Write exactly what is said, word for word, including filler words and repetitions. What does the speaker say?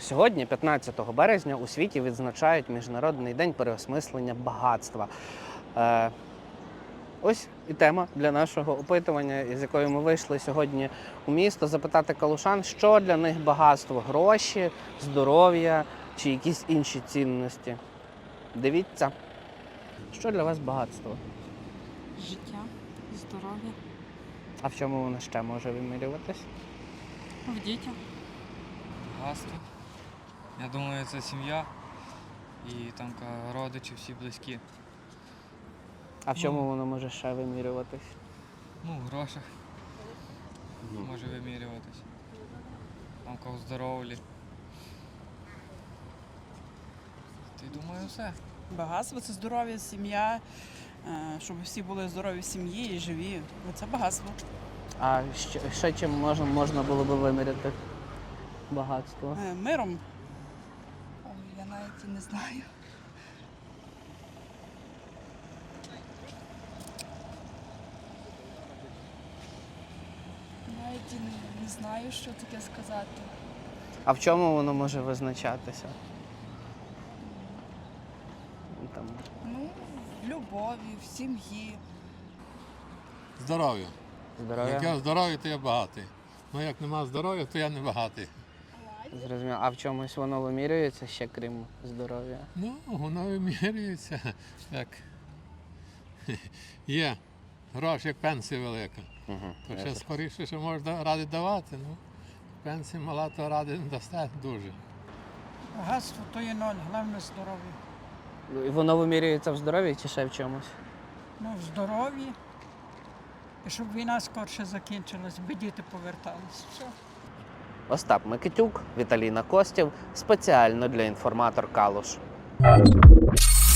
Сьогодні, п'ятнадцятого березня, у світі відзначають Міжнародний день переосмислення багатства. Е, ось і тема для нашого опитування, із якою ми вийшли сьогодні у місто, запитати калушан, що для них багатство – гроші, здоров'я чи якісь інші цінності. Дивіться, що для вас багатство? Життя, здоров'я, А в чому воно ще може вимірюватись? в дітях. Багатство. Я думаю, це сім'я і там ка- родичі всі близькі. А в чому воно може ще вимірюватись? Ну, в грошах може вимірюватись. Там ка у здоров'ї. Ти думаю, все. Багатство це здоров'я, сім'я, е, щоб всі були здорові в сім'ї і живі. Це багатство. А ще, ще чим можна, можна було би виміряти багатство? Е, Миром. Ой, я навіть і не знаю. Навіть і не, не знаю, що таке сказати. А в чому воно може визначатися? Там, Ну, в любові, в сім'ї. Здоров'я. здоров'я? Як я здоровий, то я багатий. Ну як нема здоров'я, то я не багатий. Зрозуміло. А в чомусь воно вимірюється ще, крім здоров'я? Ну, воно вимірюється, як є гроші, як пенсія велика. Угу. То ще скоріше, що можна ради давати. Ну, пенсія мала, то ради не дасте дуже. Багатство то є ноль, головне здоров'я. І воно вимірюється в здоров'ї чи ще в чомусь? Ну, в здоров'ї. І щоб війна скорше закінчилась, би діти повертались. Все. Остап Микитюк, Віталіна Костів. Спеціально для інформатор Калуш.